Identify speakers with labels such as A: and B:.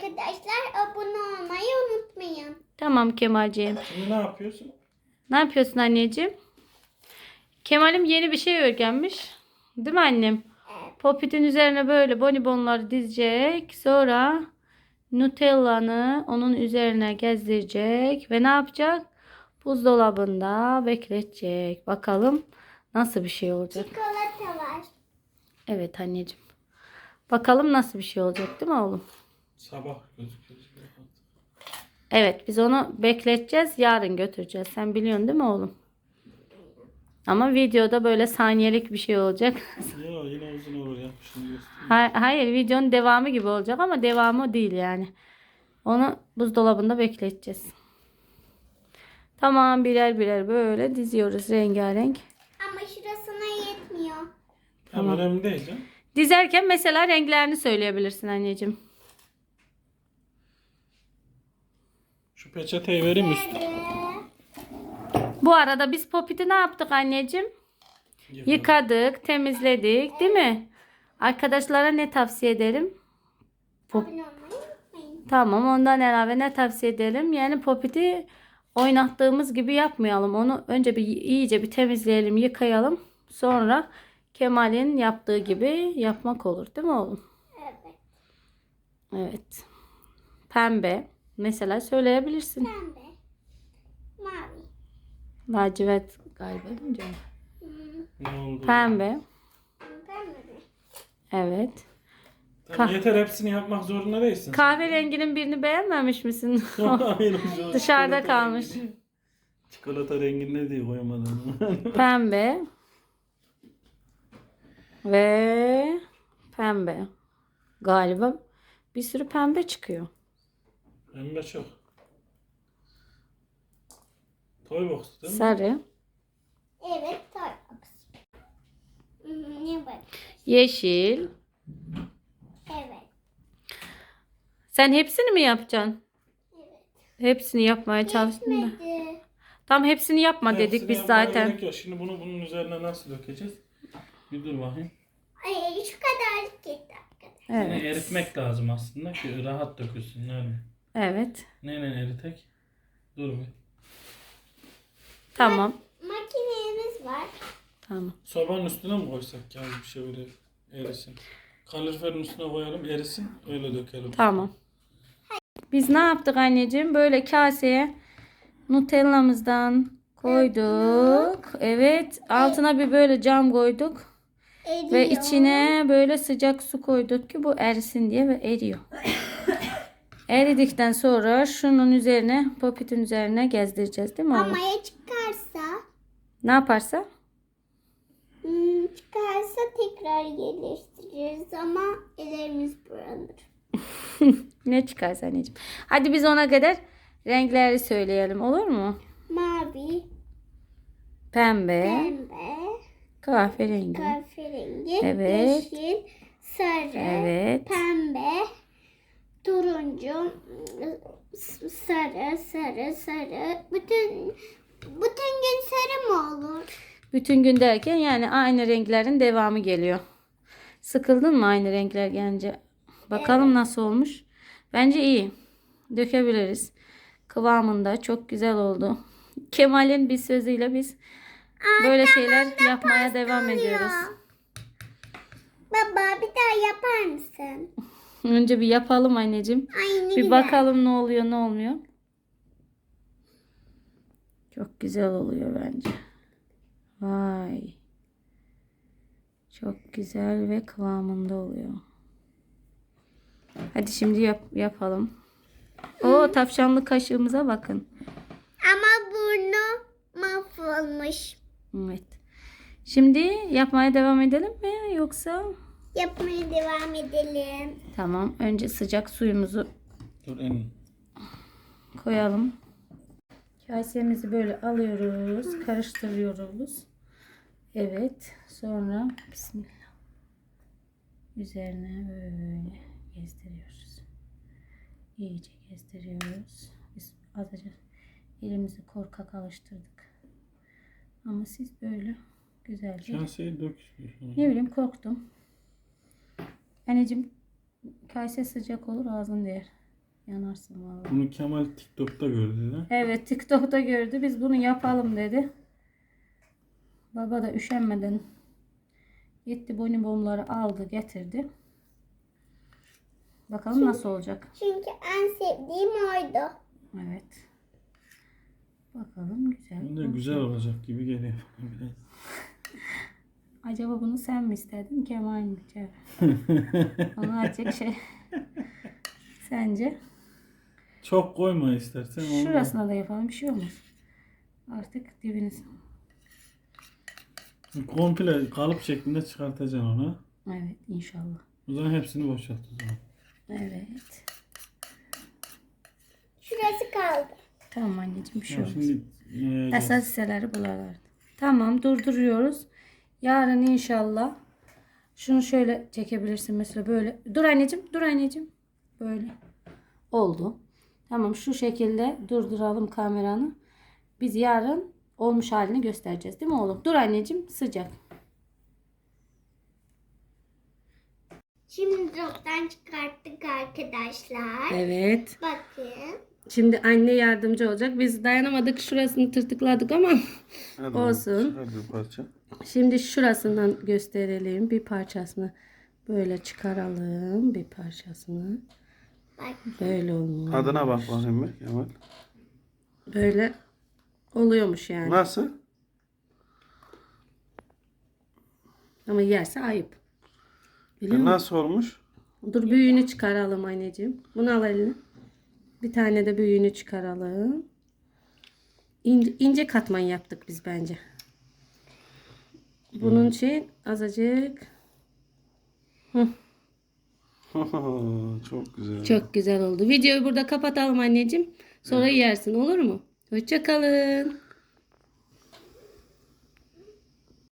A: arkadaşlar. Abone olmayı unutmayın.
B: Tamam Kemalciğim.
C: Şimdi ne yapıyorsun?
B: Ne yapıyorsun anneciğim? Kemal'im yeni bir şey öğrenmiş. Değil mi annem? Popit'in üzerine böyle bonibonları dizecek. Sonra Nutella'nı onun üzerine gezdirecek. Ve ne yapacak? Buzdolabında bekletecek. Bakalım nasıl bir şey olacak.
A: Çikolata var.
B: Evet anneciğim. Bakalım nasıl bir şey olacak değil mi oğlum?
C: Sabah gözüküyor.
B: Evet biz onu bekleteceğiz. Yarın götüreceğiz. Sen biliyorsun değil mi oğlum? Ama videoda böyle saniyelik bir şey olacak.
C: Ya yine uzun olur ya. Şimdi göstereyim.
B: Hayır videonun devamı gibi olacak ama devamı değil yani. Onu buzdolabında bekleteceğiz. Tamam birer birer böyle diziyoruz rengarenk.
A: Ama şurasına yetmiyor.
C: Tamam. Önemli değil canım.
B: Dizerken mesela renklerini söyleyebilirsin anneciğim.
C: Şu peçeteyi vereyim üstüne.
B: Bu arada biz Popit'i ne yaptık anneciğim? Yıkadık, temizledik değil mi? Arkadaşlara ne tavsiye ederim?
A: Abone olmayı unutmayın.
B: Tamam ondan ilave ne tavsiye edelim? Yani Popit'i oynattığımız gibi yapmayalım. Onu önce bir iyice bir temizleyelim, yıkayalım. Sonra Kemal'in yaptığı gibi yapmak olur değil mi oğlum?
A: Evet.
B: Evet. Pembe. Mesela söyleyebilirsin.
A: Pembe. Mavi.
B: Lacivert galiba değil mi canım?
C: Ne oldu?
B: Pembe.
A: Pembe mi?
B: Evet.
C: Tamam, yeter hepsini yapmak zorunda değilsin.
B: Kahverenginin birini beğenmemiş misin?
C: Hayır, şu
B: Dışarıda
C: çikolata
B: kalmış.
C: rengi. Çikolata rengini diye koyamadım.
B: Pembe. Ve pembe. Galiba bir sürü pembe çıkıyor.
C: Pembe çok. Toy box değil mi?
B: Sarı.
A: Evet. Starbucks. Ne bak?
B: Yeşil.
A: Evet.
B: Sen hepsini mi yapacaksın?
A: Evet.
B: Hepsini yapmaya çalıştın da.
A: Yetmedi.
B: Tam hepsini yapma dedik
C: Hepsini
B: biz
C: yapmaya
B: zaten.
C: gerek yok. Şimdi bunu bunun üzerine nasıl dökeceğiz? Bir dur bakayım.
A: Ay şu kadarlık yeter arkadaşlar.
C: Yine
B: Evet.
C: eritmek lazım aslında ki rahat dökülsün. Yani.
B: Evet.
C: Neyle eritek? Dur bir.
B: Tamam.
A: Makinemiz var.
B: Tamam.
C: Sobanın üstüne mi koysak ya bir şey böyle erisin? Kaloriferin üstüne koyalım erisin öyle dökelim.
B: Tamam. Biz ne yaptık anneciğim? Böyle kaseye Nutella'mızdan koyduk. Evet. Altına bir böyle cam koyduk.
A: Eriyor.
B: Ve içine böyle sıcak su koyduk ki bu erisin diye ve eriyor. Eridikten sonra şunun üzerine, Popit'in üzerine gezdireceğiz değil mi oğlum?
A: Ama ya çıkarsa?
B: Ne yaparsa?
A: Çıkarsa tekrar yerleştiririz ama ellerimiz bulanır.
B: Ne çıkarsa anneciğim. Hadi biz ona kadar renkleri söyleyelim olur mu?
A: Mavi,
B: Pembe,
A: pembe,
B: kahverengi.
A: kahverengi,
B: Evet.
A: yeşil, sarı,
B: Evet.
A: pembe, turuncu, sarı, sarı, sarı. Bütün gün sarı mı olur?
B: Bütün gün derken yani aynı renklerin devamı geliyor. Sıkıldın mı aynı renkler gelince? Bakalım nasıl olmuş. Bence iyi. Dökebiliriz. Kıvamında çok güzel oldu. Kemal'in bir sözüyle biz böyle şeyler yapmaya devam ediyoruz.
A: Baba bir daha yapar mısın?
B: Önce bir yapalım anneciğim.
A: Ay ne
B: Bir
A: güzel.
B: bakalım ne oluyor ne olmuyor. Çok güzel oluyor bence. Vay. Çok güzel ve kıvamında oluyor. Hadi şimdi yapalım. O tavşanlı kaşığımıza bakın.
A: Ama burnu mahvolmuş.
B: Evet. Şimdi yapmaya devam edelim mi yoksa?
A: Yapmaya devam edelim.
B: Tamam. Önce sıcak suyumuzu
C: Dur en.
B: koyalım. Kasemizi böyle alıyoruz, karıştırıyoruz. Evet. Sonra bismillah. Üzerine böyle gezdiriyoruz. İyice gezdiriyoruz. Biz azıcık elimizi korkak alıştırdık. Ama siz böyle güzelce.
C: Kaseyi dök.
B: Ne bileyim korktum. Anneciğim kase sıcak olur ağzın değer. Yanarsın vallahi.
C: Bunu Kemal TikTok'ta gördü de.
B: Evet, TikTok'ta gördü. Biz bunu yapalım dedi. Baba da üşenmeden gitti bonibonları aldı getirdi. Bakalım nasıl olacak.
A: Çünkü en sevdiğim oydu.
B: Evet. Bakalım güzel.
C: Bu da güzel olacak gibi geliyor. Biraz.
B: Acaba bunu sen mi istedin Kemal mi? Onu açacak şey. Sence?
C: Çok koyma istersen. Onu da-
B: Şurasına da yapalım. Bir şey olmaz. Artık dibini.
C: Komple kalıp şeklinde çıkartacaksın onu.
B: Evet inşallah.
C: O zaman hepsini boşalt o zaman.
B: Evet.
A: Şurası kaldı.
B: Tamam anneciğim bir şey
C: Ya
B: olmaz.
C: şimdi yiyeceğiz.
B: Esas hisseleri buralardı. Tamam durduruyoruz. Yarın inşallah şunu şöyle çekebilirsin mesela böyle. Dur anneciğim, dur anneciğim. Böyle oldu. Tamam şu şekilde durduralım kameranı. Biz yarın olmuş halini göstereceğiz değil mi oğlum? Dur anneciğim sıcak.
A: Şimdi dolaptan çıkarttık arkadaşlar.
B: Evet.
A: Bakın.
B: Şimdi anne yardımcı olacak. Biz dayanamadık şurasını tırtıkladık ama
C: Hadi
B: olsun.
C: çıkar bir parça.
B: Şimdi şurasından gösterelim. Bir parçasını böyle çıkaralım. Bir parçasını.
A: Bak.
B: Böyle olmuş.
C: Adına bak bakayım bir Kemal.
B: Böyle oluyormuş yani.
C: Nasıl?
B: Ama yerse ayıp. Biliyor musun?
C: Nasıl olmuş?
B: Dur büyüğünü çıkaralım anneciğim. Bunu al eline. Bir tane de büyüğünü çıkaralım. İnce katman yaptık biz bence. Bunun şey azıcık.
C: Çok güzel.
B: Çok güzel oldu. Videoyu burada kapatalım anneciğim. Sonra yersin olur mu? Hoşça kalın.